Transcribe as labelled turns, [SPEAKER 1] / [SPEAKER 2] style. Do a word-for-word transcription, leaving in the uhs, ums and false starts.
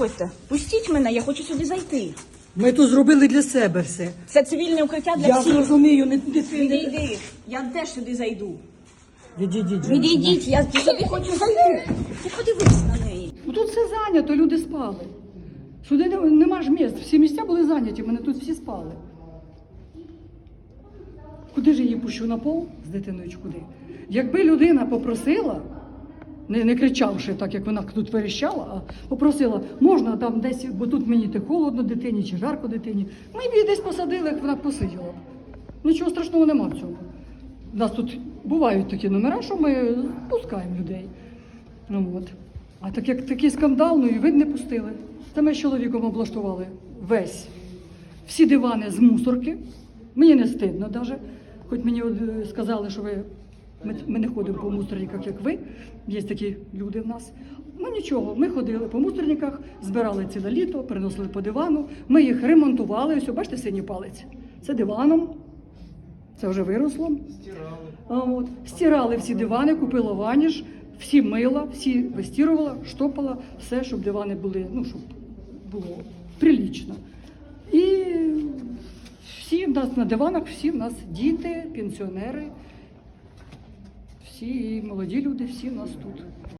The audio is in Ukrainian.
[SPEAKER 1] Заходьте. Пустіть мене, я хочу сюди зайти.
[SPEAKER 2] Ми тут зробили для себе все.
[SPEAKER 1] Це цивільне укриття для
[SPEAKER 2] Я
[SPEAKER 1] всіх.
[SPEAKER 2] зрозумію, не, не, не,
[SPEAKER 1] Відійди, я теж сюди зайду.
[SPEAKER 2] Відійдіть.
[SPEAKER 1] Відійдіть, я сюди хочу зайти. Ти подивись на неї.
[SPEAKER 3] Ну, тут все зайнято, люди спали. Сюди не- нема ж місць, всі місця були зайняті, мене тут всі спали. Куди ж я її пущу на пол з дитиною чи куди? Якби людина попросила, не, не кричавши, так як вона тут верещала, а попросила, можна там десь, бо тут мені те холодно дитині чи жарко дитині, ми б її десь посадили, як вона посиділа. Нічого страшного нема в цьому. У нас тут бувають такі номера, що ми пускаємо людей. Ну, от. А так як такий скандал, ну і ви б не пустили. Та ми з чоловіком облаштували весь, всі дивани з мусорки. Мені не стидно навіть, хоч мені от, е, сказали, що ви, ми, ми не ходимо по мусорниках, як ви, є такі люди в нас. Ну нічого, ми ходили по мусорниках, збирали ціле літо, приносили по дивану, ми їх ремонтували, ось, бачите, синій палець, це диваном, це вже виросло. Стирали. А, от, стирали всі дивани, купила ваніш, всі мила, всі вистірувала, штопала, все, щоб дивани були, ну, щоб було прилічно. І всі в нас на диванах, всі в нас діти, пенсіонери, всі і молоді люди, всі в нас тут.